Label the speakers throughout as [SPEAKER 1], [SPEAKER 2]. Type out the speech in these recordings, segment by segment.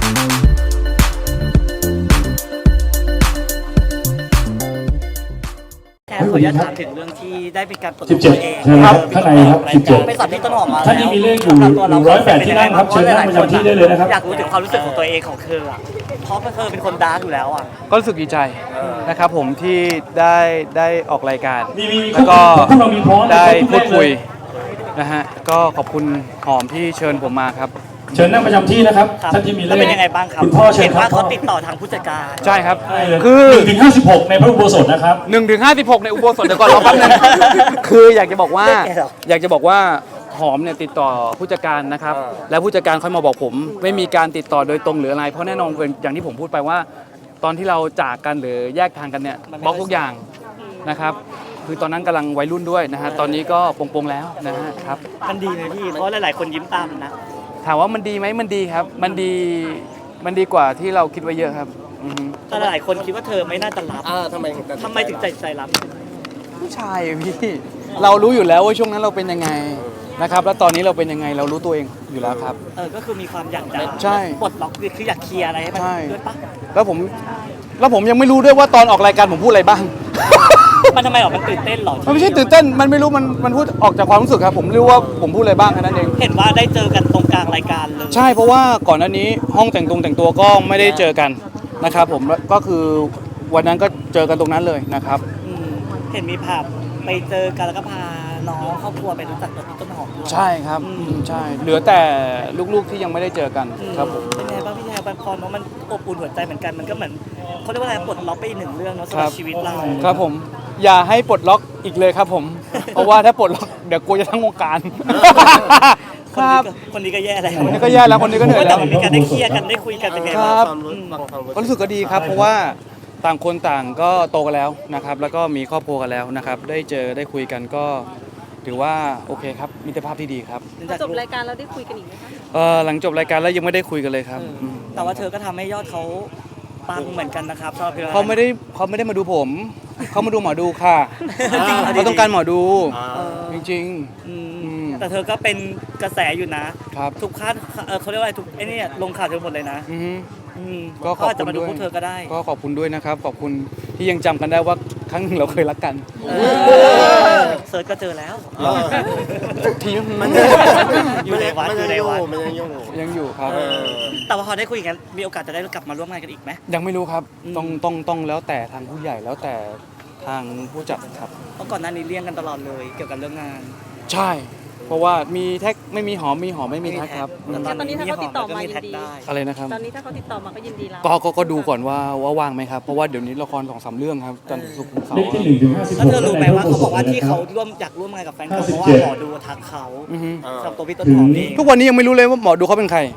[SPEAKER 1] ขออนุญาตถามถึงเรื่องที่ได้เป็นการปลดล็อกตัวเอง
[SPEAKER 2] ครับข้างในครับ17
[SPEAKER 1] ไปสับที่ต้นหอมมา
[SPEAKER 2] ท่านนี้มีเลขอยู่108ที่นั่งครับเชิญนั่งประจำที่ได้เลยนะครับ
[SPEAKER 1] อยากรู้ถึงความรู้สึกของตัวเองของเธอเพราะเธอเป็นคนดาร์กอยู่แล้ว
[SPEAKER 3] ก็รู้สึกดีใจนะครับผมที่ได้ออกรายการ
[SPEAKER 2] แล้
[SPEAKER 3] แล้ว ว
[SPEAKER 2] ก็
[SPEAKER 3] ก็ได้พูดคุยนะฮะก็ขอบคุณหอมที่เชิญผมมาครับ
[SPEAKER 2] เชิญนั่งประจำที่นะครับท่านที่มีเลข
[SPEAKER 1] เป็นยังไงบ้างครับ
[SPEAKER 2] คุณพ่อเชิญ
[SPEAKER 1] เห็น
[SPEAKER 2] ครั
[SPEAKER 1] ว่า
[SPEAKER 2] บ
[SPEAKER 1] เขาติดต่อทางผู้จัดการ
[SPEAKER 3] ใช่ครับ
[SPEAKER 2] คือ1 ถึง 56ในพระอุโบสถนะครับ
[SPEAKER 3] 1 ถึง 56ในอุโบสถเดี๋ยวก่อนรอแป๊บนึงคืออยากจะบอกว่าหอมเนี่ยติดต่อผู้จัดการนะครับแล้วผู้จัดการค่อยมาบอกผมไม่มีการติดต่อโดยตรงหรืออะไรเพราะแน่นอนอย่างที่ผมพูดไปว่าตอนที่เราจากกันหรือแยกทางกันเนี่ยบล็อกทุกอย่างนะครับคือตอนนั้นกำลังวัยรุ่นด้วยนะฮะตอนนี้ก็ปลงๆแล้วนะฮะครับ
[SPEAKER 1] มันดีไหมพี่เพราะหลายๆคนยิ้มตามนะ
[SPEAKER 3] ถามว่ามันดีไหมมันดีครับมันดีกว่าที่เราคิดไว้เยอะครับ
[SPEAKER 1] แต่หลายคนคิดว่าเธอไม่น่าจะรับทำไมถึงใจรับ
[SPEAKER 3] ผู้ชายพี่เรารู้อยู่แล้วว่าช่วงนั้นเราเป็นยังไงนะครับแล้วตอนนี้เราเป็นยังไงเรารู้ตัวเองอยู่แล้วครับ
[SPEAKER 1] ก็คือมีความอยากจะ
[SPEAKER 3] ใช่
[SPEAKER 1] ปลดล็อกคืออยากเคลียร์อะไรให้มันด้วยปะ
[SPEAKER 3] แล้วผมยังไม่รู้ด้วยว่าตอนออกรายการผมพูดอะไรบ้าง
[SPEAKER 1] มันทำไมมันตื่นเต้นหรอ
[SPEAKER 3] มันไม่ใช่ตื่นเต้นมันไม่รู้มันพูดออกจากความรู้สึกครับผมรู้ว่าผมพูดอะไรบ้างแค่นั้นเอง
[SPEAKER 1] เห็นว่าได้เจอกันตรงกลางรายการเลย
[SPEAKER 3] ใช่เพราะว่าก่อนหน้านี้ห้องแต่งตัวก็ไม่ได้เจอกันนะครับผมก็คือวันนั้นก็เจอกันตรงนั้นเลยนะครับ
[SPEAKER 1] เห็นมีภาพไปเจอกันแล้วก็พาน้องครอบครัวไปรู้จักกับพี่ต้นหอมด้วย
[SPEAKER 3] ใช่ครับใช่เหลือแต่ลูกๆที่ยังไม่ได้เจอกันครับผม
[SPEAKER 1] เป็นไงบ้างพี่แทนบางคนว่ามันอบอุ่นหัวใจเหมือนกันมันก็เหมือนเขาเรียกว่าอะไรปลดล็อกไปอีกหนึ่งเรื่องเนาะสำหรับชีวิตเรา
[SPEAKER 3] ครับผมอย่าให้ปลดล็อกอีกเลยครับผมเพราะว่าถ้าปลดล็อกเดี๋ยวกลัวจะทั้งวงการ
[SPEAKER 1] ครับคนนี้ก็แย่แล้ว
[SPEAKER 3] คนนี้ก็แย่แล้วคนนี้ก็เหนื่อยแล้ว
[SPEAKER 1] มีการได้เคลียร์กันได้คุยกันเป็นไงบ้าง
[SPEAKER 3] ก็รู้สึกก็ดีครับเพราะว่าต่างคนต่างก็โตกันแล้วนะครับแล้วก็มีครอบครัวกันแล้วนะครับได้เจอได้คุยกันก็ถือว่าโอเคครับมิตรภาพที่ดีครับ
[SPEAKER 4] จบรายการเราได้คุยกันอีกไหม
[SPEAKER 3] คะหลังจบรายการแล้วยังไม่ได้คุยกันเลยครับ
[SPEAKER 1] แต่ว่าเธอก็ทำให้ยอดเขาปังเหมือนกันนะครับ
[SPEAKER 3] เขาไม่ได้มาดูผมเขามาดูหมอดูค่ะเขาต้องการหมอดูจริง
[SPEAKER 1] ๆแต่เธอก็เป็นกระแสอยู่นะทุกคาดเขาเรียกว่าทุกไอ้นี่ลงข่าวเธอหมดเลยนะ
[SPEAKER 3] ก็ขอบคุณด้วยก็ขอบคุณด้วยนะครับขอบคุณที่ยังจำกันได้ว่าครั้งหนึ่งเราเคยรักกัน
[SPEAKER 1] เซิร์ชก็เจอแล้ว
[SPEAKER 3] ที
[SPEAKER 1] มันอยู่ในวัด
[SPEAKER 3] ยังอยู่ครับ
[SPEAKER 1] แต่ว่าพอได้คุยกันมีโอกาสจะได้กลับมาร่วมงานกันอีกไหม
[SPEAKER 3] ยังไม่รู้ครับต้องแล้วแต่ทางผู้ใหญ่แล้วแต่ทางผู้จัดครับ
[SPEAKER 1] เพราะก่อนหน้านี้เลี่ยงกันตลอดเลยเกี่ยวกับเรื่องงาน
[SPEAKER 3] ใช่เพราะว่ามีแท็กไม่มีหอมไม่มีแท็กครับ
[SPEAKER 4] ตอนนี้ถ้าเขาติดต่อมายินดี
[SPEAKER 3] อะไรนะครับ
[SPEAKER 4] ตอนนี้ถ้าเขาติดต่อมาก็ยินดีแล้ว
[SPEAKER 3] ก็ดูก่อนว่าว่างไหมครับเพราะว่าเดี๋ยวนี้ละคร2-3เรื่องครับจันทร์ศุกร์เสาร์
[SPEAKER 2] เลขที่1 ถึง 56
[SPEAKER 1] แล้วเธอรู้ไหมว่าเขาบอกว่าที่เขาอยากร่วมงานกับแฟนเขาเพราะว่าหมอดูทักเขากับตัวพี่ต้นหอมเอง
[SPEAKER 3] ทุกวันนี้ยังไม่รู้เลยว่าหมอดูเขาเป็นใคร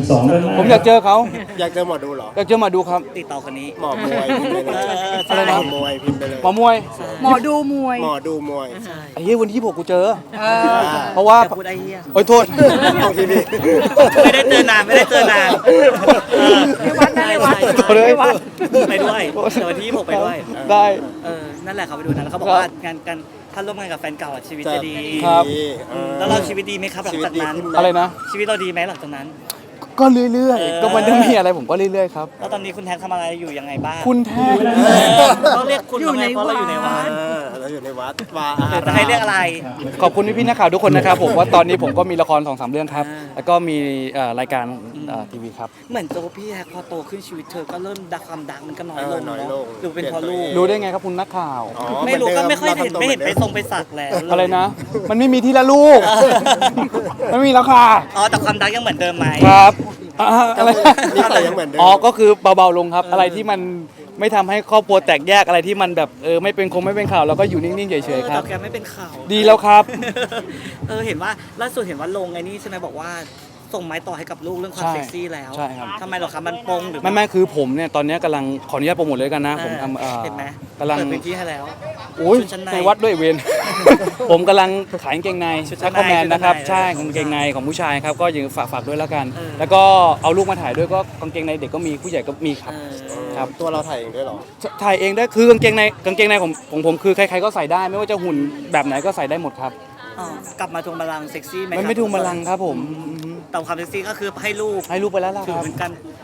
[SPEAKER 2] 62
[SPEAKER 3] ผมอยากเจอเขา
[SPEAKER 5] อยากเจอหมอดูเหรอ
[SPEAKER 3] อยากเจอหมอดูครับ
[SPEAKER 1] ติดต่อคนนี้
[SPEAKER 5] หมอมวย
[SPEAKER 3] อะไรนะ
[SPEAKER 5] หมอมวยพิมพ์ไปเลย
[SPEAKER 3] หมอมวย
[SPEAKER 4] หมอดูมวย
[SPEAKER 3] ไอ้เหี้ยวันที่26กูเจอเพราะว่าโอ้ยโทษ
[SPEAKER 1] ไม่ได้เจอนานในวัดไปด้วยแต่วันที่26ไปด้วย
[SPEAKER 3] ได้
[SPEAKER 1] นั่นแหละเขาไปดูนะแล้วเขาบอกว่างานกันถ้าร่วมงานกับแฟนเก่าชีวิตจะดี
[SPEAKER 3] ครับ
[SPEAKER 1] แล้วเราชีวิตดีไหมครับหลังจากนั้น
[SPEAKER 3] อะไรนะ
[SPEAKER 1] ชีวิตเราดีไหมหลังจากนั้น
[SPEAKER 3] ก็เรื่อยๆก็มันจะมีอะไรผมก็เรื่อยๆครับ
[SPEAKER 1] แล้วตอนนี้คุณแทนทำอะไรอยู่ยังไงบ้าง
[SPEAKER 3] คุณแทน
[SPEAKER 1] ต้องเรียกคุณอยู่ในวัดเราอยู่ในวัดจะให้เรียกอะไร
[SPEAKER 3] ขอบคุณพี่นักข่าวทุกคนนะครับผมว่าตอนนี้ผมก็มีละคร2-3เรื่องครับแล้วก็มีรายการทีวีครับ
[SPEAKER 1] เหมือนตัวพี่แทนพอโตขึ้นชีวิตเธอก็เริ่มความดังมันก็น้อยลงหรือเป็นเพราะลูก
[SPEAKER 3] รู้ได้ไงครับคุณนักข่าว
[SPEAKER 1] ไม่รู้ก็ไม่ค่อยเห็นไปไปสักแล้ว
[SPEAKER 3] อะไรนะมันไม่มีที่ละลูกไม่มีแล้วค่ะ
[SPEAKER 1] แต่ความดังยังเหมือนเดิมไหม
[SPEAKER 3] ครับอะไร
[SPEAKER 5] ยังเหมือนเดิม
[SPEAKER 3] ก็คือเบาๆลงครับอะไรที่มันไม่ทำให้ครอบครัวแตกแยกอะไรที่มันแบบไม่เป็นข่าวเราก็อยู่นิ่งๆเฉยๆครับ
[SPEAKER 1] แกไม่เป็นข่าว
[SPEAKER 3] ดีแล้วครับ
[SPEAKER 1] เห็นว่าล่าสุดเห็นว่าลงไอ้นี่ใช่ไหมบอกว่าส่งไม้ต่อให้กับลูกเรื่องความเซ็กซี่แล้ว
[SPEAKER 3] ใช่ครับ
[SPEAKER 1] ทำไมหรอครับมันปงหรือ
[SPEAKER 3] ไม่คือผมเนี่ยตอนนี้กำลังขออนุญาตโปรโมทเลยกันนะผมท
[SPEAKER 1] ำเห็นไหม
[SPEAKER 3] กำลัง
[SPEAKER 1] เปิดพื้นที่ให้แล้ว
[SPEAKER 3] โอ้ยในวัดด้วยเวรผมกำลังขายกางเกงในชักคอมแมนนะครับใช่กางเกงในของผู้ชายครับก็ยังฝากด้วยแล้วกันแล้วก็เอาลูกมาถ่ายด้วยก็กางเกงในเด็กก็มีผู้ใหญ่ก็มีครับ
[SPEAKER 5] ครับตัวเราถ่ายเองด้วยหรอ
[SPEAKER 3] ถ่ายเองได้คือกางเกงในของผมคือใครๆก็ใส่ได้ไม่ว่าจะหุ่นแบบไหนก็ใส่ได้หมดครับ
[SPEAKER 1] กลับมาทวงบัลลังก์เซ็กซี่ไหม
[SPEAKER 3] ไม่ทวงบัลลังก์ครับผม
[SPEAKER 1] แต่ความเซ็กซี่ก็คือให้ลูก
[SPEAKER 3] ไปแล้วล่ะครับ
[SPEAKER 1] เหมือนกัน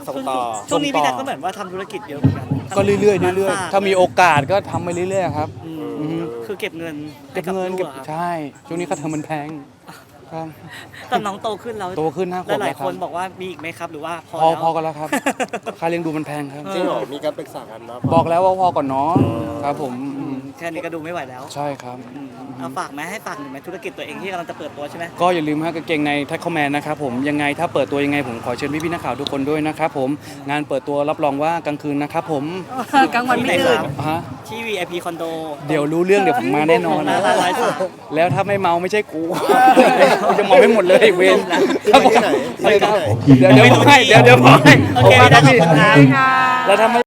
[SPEAKER 5] ส่งต่อ
[SPEAKER 1] ช่วงนี้พี่นัทก็เหมือนว่าทำธุรกิจเยอะเหมือนกัน
[SPEAKER 3] ก็เรื่อยๆเรื่อยๆถ้ามีโอกาสก็ทำไปเรื่อยๆครับ
[SPEAKER 1] อืมคือเก็บเงิน
[SPEAKER 3] เก็บเงิน
[SPEAKER 1] ให้
[SPEAKER 3] เก็บ
[SPEAKER 1] ลูอะครับ
[SPEAKER 3] ใช่ช่วงนี้ค่าเทอมมันแพงครับ
[SPEAKER 1] ตอนน้องโตขึ้นแล้ว
[SPEAKER 3] โตขึ้น5 ขวบ
[SPEAKER 1] หลาย
[SPEAKER 3] แล้ว
[SPEAKER 1] ๆ
[SPEAKER 3] ค
[SPEAKER 1] ครับ นบอกว่ามีอีกไหมครับ หรือว่าพอ
[SPEAKER 3] พอ
[SPEAKER 1] แล้ว
[SPEAKER 3] กันแล้วครับ ค่าเลี้ยงดูมันแพงครับ
[SPEAKER 5] จริงเหรอมีการปรึกษากันนะ
[SPEAKER 3] บอกแล้วว่าพอก่อนเนาะครับผม
[SPEAKER 1] แค่นี้ก็ดูไม่ไหวแล้ว
[SPEAKER 3] ใช่ครับ
[SPEAKER 1] เอาฝากไหมให้ฝากหนึ่งไหมธุรกิจตัวเองที่กำลังจะเปิดตัวใช่ไหม
[SPEAKER 3] ก็อย่าลืมฮะกางเกงในแท็กคอมแมนนะครับผมยังไงถ้าเปิดตัวยังไงผมขอเชิญพี่ๆนักข่าวทุกคนด้วยนะครับผมงานเปิดตัวรับรองว่ากลางคืนนะครับผม
[SPEAKER 4] กลางวันไม่ตื่น
[SPEAKER 3] ฮะ
[SPEAKER 1] ที่ VIP คอนโด
[SPEAKER 3] เดี๋ยวรู้เรื่องเดี๋ยวผมมาแน่นอน
[SPEAKER 1] หน้าร้านไลฟ์สด
[SPEAKER 3] แล้วถ้าไม่เมาไม่ใช่กูกูจะเมาให้หมดเลยเวร
[SPEAKER 5] ที่ไปที่ไหนที่ไปที่ไหน
[SPEAKER 3] เดี๋ยวบอกให้เดี๋ยวบอกให้
[SPEAKER 1] โอเค
[SPEAKER 3] ผมมา
[SPEAKER 1] ได้
[SPEAKER 3] ครับ
[SPEAKER 1] ขอบ
[SPEAKER 3] พี่
[SPEAKER 1] คุณครับ
[SPEAKER 3] แล้วถ้าไม่